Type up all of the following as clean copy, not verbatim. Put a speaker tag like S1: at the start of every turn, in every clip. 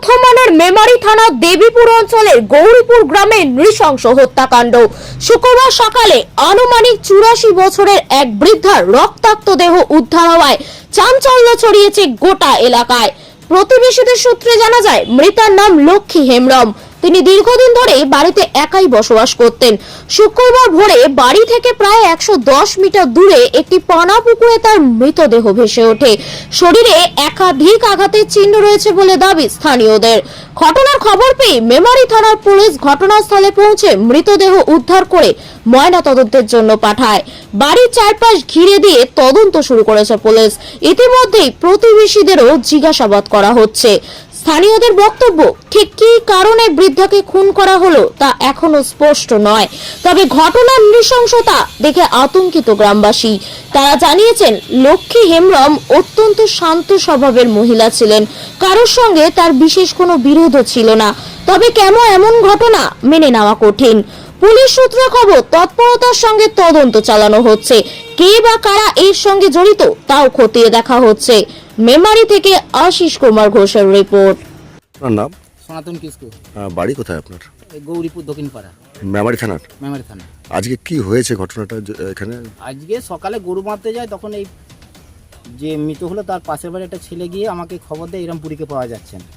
S1: বর্ধমানের মেমারি থানা দেবীপুর অঞ্চলের গৌরীপুর গ্রামে নৃশংস হত্যাকাণ্ড। শুক্রবার সকালে আনুমানিক 84 বছরের এক বৃদ্ধার রক্তাক্ত দেহ উদ্ধার হওয়ায় চাঞ্চল্য ছড়িয়েছে গোটা এলাকায়। প্রতিবেশীদের সূত্রে জানা যায়, মৃতার নাম লক্ষ্মী হেমব্রম। তিনি দীর্ঘদিন ধরে বাড়িতে একাই বসবাস করতেন। শুক্রবার ভোরে বাড়ি থেকে প্রায় 110 মিটার দূরে একটি পানা পুকুরে তার মৃতদেহ ভেসে ওঠে। শরীরে একাধিক আঘাতের চিহ্ন রয়েছে বলে দাবি স্থানীয়দের। ঘটনার খবর পেয়ে মেমারি থানার পুলিশ ঘটনাস্থলে পৌঁছে মৃতদেহ উদ্ধার করে ময়নাতদন্তের জন্য পাঠায়। বাড়ির চারপাশ ঘিরে দিয়ে তদন্ত শুরু করেছে পুলিশ। ইতিমধ্যেই প্রতিবেশীদেরও জিজ্ঞাসাবাদ করা হচ্ছে। স্থানীয়দের বক্তব্য, ঠিক কী কারণে বৃদ্ধাকে খুন করা হলো তা এখনো স্পষ্ট নয়। তবে ঘটনার নৃশংসতা দেখে আতঙ্কিত গ্রামবাসী। তারা জানিয়েছেন, লক্ষ্মী হেমব্রম অত্যন্ত শান্ত স্বভাবের মহিলা ছিলেন। কারোর সঙ্গে তার বিশেষ কোনো বিরোধও ছিল না। তবে কেন এমন ঘটনা মেনে নেওয়া কঠিন। পুলিশ সূত্রে খবর, তৎপরতার সঙ্গে তদন্ত চালানো হচ্ছে। কে বা কারা এর সঙ্গে জড়িত তাও খতিয়ে দেখা হচ্ছে। মেমারি থেকে আশিস কুমার ঘোষের রিপোর্ট।
S2: আপনার নাম?
S3: সনাতন কিসকু।
S2: বাড়ি কোথায় আপনার?
S3: গৌরীপুর দক্ষিণ পাড়া,
S2: মেমারি থানার।
S3: মেমারি থানা।
S2: আজকে কি হয়েছে ঘটনাটা এখানে?
S3: আজকে সকালে গরু মারতে যায়, তখন এই যে মৃত হলো তার পাশের বাড়ি একটা ছেলে গিয়ে আমাকে খবর দেয় এরম বুড়িকে পাওয়া যাচ্ছে না।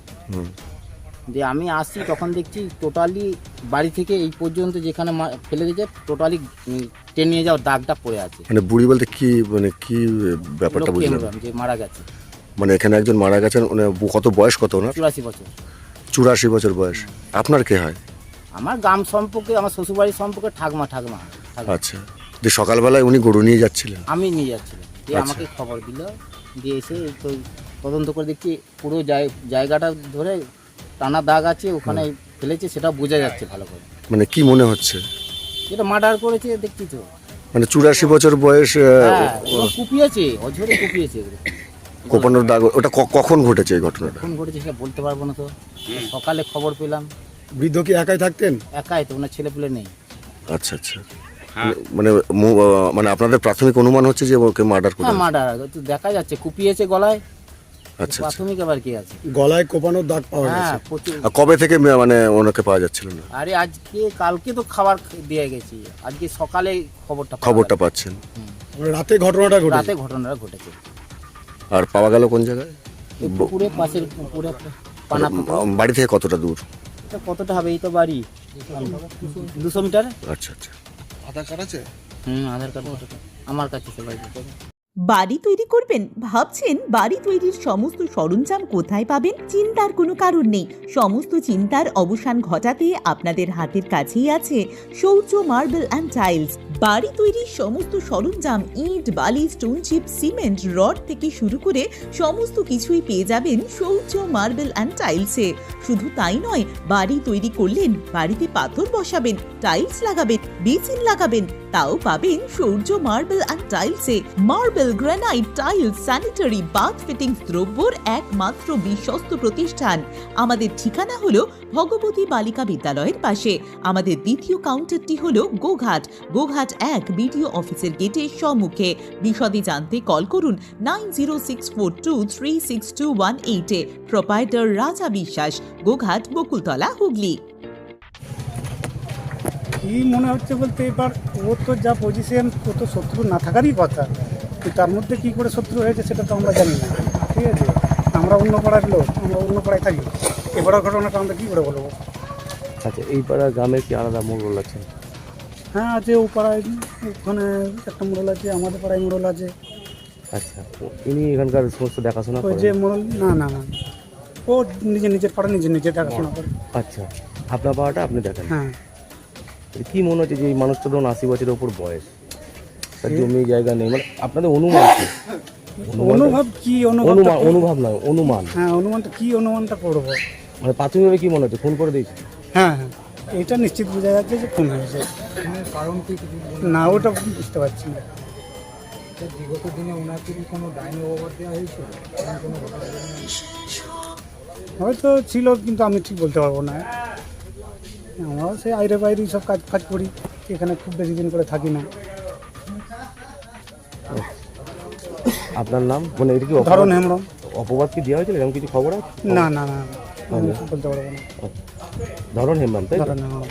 S3: দিয়ে আমি আসছি, তখন দেখছি টোটালি বাড়ি থেকে এই পর্যন্ত যেখানে ফেলে দিয়েছে টোটালি টেনে নিয়ে যাওয়ার দাগটা পড়ে আছে।
S2: মানে বুড়ি বলতে কি, মানে কি ব্যাপারটা বুঝলাম?
S3: যে মারা গেছে,
S2: মানে এখানে একজন মারা গেছেন। মানে কত বয়স কত ওনার?
S3: 84 বছর।
S2: 84 বছর বয়স। আপনার কে হয়?
S3: আমার গ্রাম সম্পর্কে, আমার শ্বশুরবাড়ির সম্পর্কে ঠাকমা।
S2: আচ্ছা, যে সকালবেলায় উনি গরু নিয়ে যাচ্ছিলেন?
S3: আমি নিয়ে যাচ্ছিলাম, দিয়ে আমাকে খবর দিল। দিয়ে এসে তো তদন্ত করে দেখছি পুরো জায়গাটা ধরে টানা দাগ আছে, ওখানে ফেলেছে, সেটা বোঝা যাচ্ছে ভালো করে।
S2: মানে কি মনে হচ্ছে?
S3: এটা মার্ডার করেছে, দেখছি তো।
S2: মানে 84 বছর বয়স,
S3: কুপিয়েছে, অঝরে কুপিয়েছে।
S2: কোপানোর দাগ। ওটা কখন ঘটেছে এই ঘটনাটা?
S3: কখন ঘটেছে সেটা বলতে পারবো না তো। সকালে খবর পেলাম।
S2: বৃদ্ধ কি একাই থাকতেন?
S3: একাই তো, ওনার ছেলেপুলে নেই।
S2: আচ্ছা আচ্ছা। মানে মানে আপনাদের প্রাথমিক অনুমান হচ্ছে যে ওকে মার্ডার করেছে?
S3: হ্যাঁ, মার্ডার তো দেখা যাচ্ছে, কুপিয়েছে গলায়।
S2: আচ্ছা,
S3: প্রাথমিক আবার কি আছে,
S2: গলায় কোপানোর দাগ পাওয়া গেছে।
S3: হ্যাঁ, প্রচুর।
S2: কবে থেকে মানে ওনাকে পাওয়া যাচ্ছিল না?
S3: আরে আজকে কালকে তো খাবার দিয়ে গেছি, আজকে সকালে
S2: খবরটা পাচ্ছেন? রাতে
S3: ঘটনাটা ঘটেছে।
S2: আর পাওয়া গেল কোন জায়গায়?
S3: পুকুরে, পাশের পুকুরে। পানা
S2: বাড়ি থেকে কতটা দূর?
S3: কতটা হবে, এই তো বাড়ি 200 মিটার।
S2: আচ্ছা আচ্ছা।
S4: আধার কার্ড আছে?
S3: আধার কার্ড আমার কাছে সবাই।
S5: বাড়ি তৈরি করবেন? ভাবছেন বাড়ি তৈরির সমস্ত সরঞ্জাম কোথায় পাবেন? চিন্তার কোনো কারণ নেই। সমস্ত চিন্তার অবসান ঘটাতে আপনাদের হাতের কাছেই আছে শৌর্য মার্বেল অ্যান্ড টাইলস। বাড়ি তৈরির সমস্ত সরঞ্জাম, ইট, বালি, স্টোন চিপ, সিমেন্ট, রড থেকে শুরু করে সমস্ত কিছুই পেয়ে যাবেন শৌর্য মার্বেল অ্যান্ড টাইলসে। শুধু তাই নয়, বাড়ি তৈরি করলেন, বাড়িতে পাথর বসাবেন, টাইলস লাগাবেন, বেসিন লাগাবেন, তাও পাবেন শৌর্য মার্বেল অ্যান্ড টাইলসে। Marble, granite, tiles, sanitary, bath fittings দ্রব্যর একমাত্র বিশ্বস্ত প্রতিষ্ঠান। আমাদের ঠিকানা হলো ভগবতী বালিকা বিদ্যালয়ের পাশে। আমাদের দ্বিতীয় কাউন্টারটি হলো গোঘাট 1 বিডিও অফিসের গেটের সম্মুখে। বিশদে জানতে কল করুন 9064236218 প্রোপাইটার রাজা বিশ্বাস, গোঘাট, বকুলতলা, হুগলি।
S6: কি মনে হচ্ছে বলতে, এবার ওর তো যা পজিশন, ও তো শত্রু না থাকারই কথা, তার মধ্যে কি করে শত্রু হয়েছে সেটা তো আমরা জানি না। ঠিক আছে, আমরা অন্য পাড়ার লোক, আমরা অন্য পাড়ায় থাকি, এবারের ঘটনাটা আমরা কী করে বলবো?
S7: আচ্ছা, এই পাড়ার গ্রামের কি আলাদা মোড়ল আছে?
S6: হ্যাঁ আছে, ও পাড়ায় ওখানে একটা মোড়ল আছে, আমাদের পাড়ায় মোড়ল আছে।
S7: আচ্ছা, ইনি এখানকার সমস্ত দেখাশোনা
S6: ওই যে মোড়ল, না না না, ও নিজের পাড়া নিজে দেখাশোনা করে।
S7: আচ্ছা, আপনার পাড়াটা আপনি দেখেন?
S6: হ্যাঁ।
S7: কি মনে হচ্ছে যে এই মানুষটা ধরুন 80 বছরের ওপর বয়স, তার জমি জায়গা নেই, মানে আপনাদের অনুমান কি?
S6: অনুভব কি?
S7: অনুভব নয়, অনুমান।
S6: হ্যাঁ, অনুমানটা কি? অনুমানটা করবো,
S7: মানে প্রাথমিকভাবে কি মনে হচ্ছে খুন করে দিয়েছে?
S6: হ্যাঁ হ্যাঁ, এটা নিশ্চিত বোঝা যাচ্ছে যে খুন হয়েছে। কারণ কি না, ওটা বুঝতে পারছি না। বিগত দিনে ওনার কি কোনো ডাইনি ওভার দেওয়া হয়েছিল? হয়তো ছিল, কিন্তু আমি ঠিক বলতে পারবো না। আমরা সেই আইরে বাইরে সব কাজ করি, এখানে খুব বেশি দিন করে থাকি না।
S7: আপনার নাম? মানে এটা কি
S6: ধরুন হেমব্রম।
S7: অপবাদ কি দেওয়া হয়েছিল, এরকম কিছু খবর আছে?
S6: না না না। আমি বলতে পারবো না।
S7: ধরন হেমব্রম তাই তো?
S6: ধরেন, হ্যাঁ।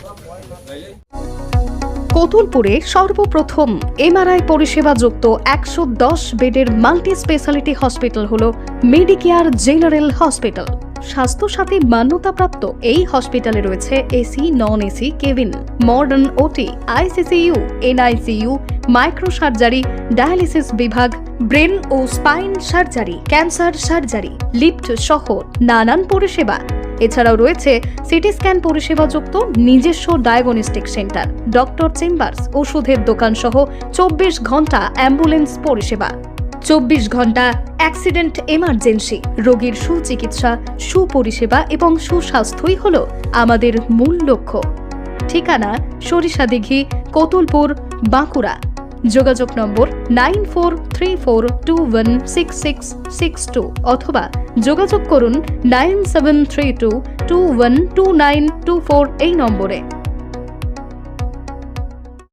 S4: কতুলপুরে সর্বপ্রথম এমআরআই পরিষেবা যুক্ত 110 বেডের মাল্টি স্পেশালিটি হসপিটাল হল মেডিকেয়ার জেনারেল হসপিটাল। স্বাস্থ্যসাথী মান্যতাপ্রাপ্ত এই হসপিটালে রয়েছে AC, non AC cabin, modern OT, ICCU, NICU, micro surgery, dialysis বিভাগ, ব্রেন ও spine surgery, cancer surgery, lift সহ নানান পরিষেবা। এছাড়াও রয়েছে সিটি স্ক্যান পরিষেবা যুক্ত নিজস্ব ডায়াগনস্টিক সেন্টার, ডক্টর চেম্বার্স, ওষুধের দোকান সহ 24 ঘন্টা অ্যাম্বুলেন্স পরিষেবা। 24 ঘন্টা অ্যাক্সিডেন্ট এমার্জেন্সি, রোগীর সুচিকিৎসা, সুপরিষেবা এবং সুস্বাস্থ্যই হল আমাদের মূল লক্ষ্য। ঠিকানা সরিষাদিঘি, কতুলপুর, বাঁকুড়া। যোগাযোগ নম্বর 9434216662 অথবা যোগাযোগ করুন 9732212924 এই নম্বরে।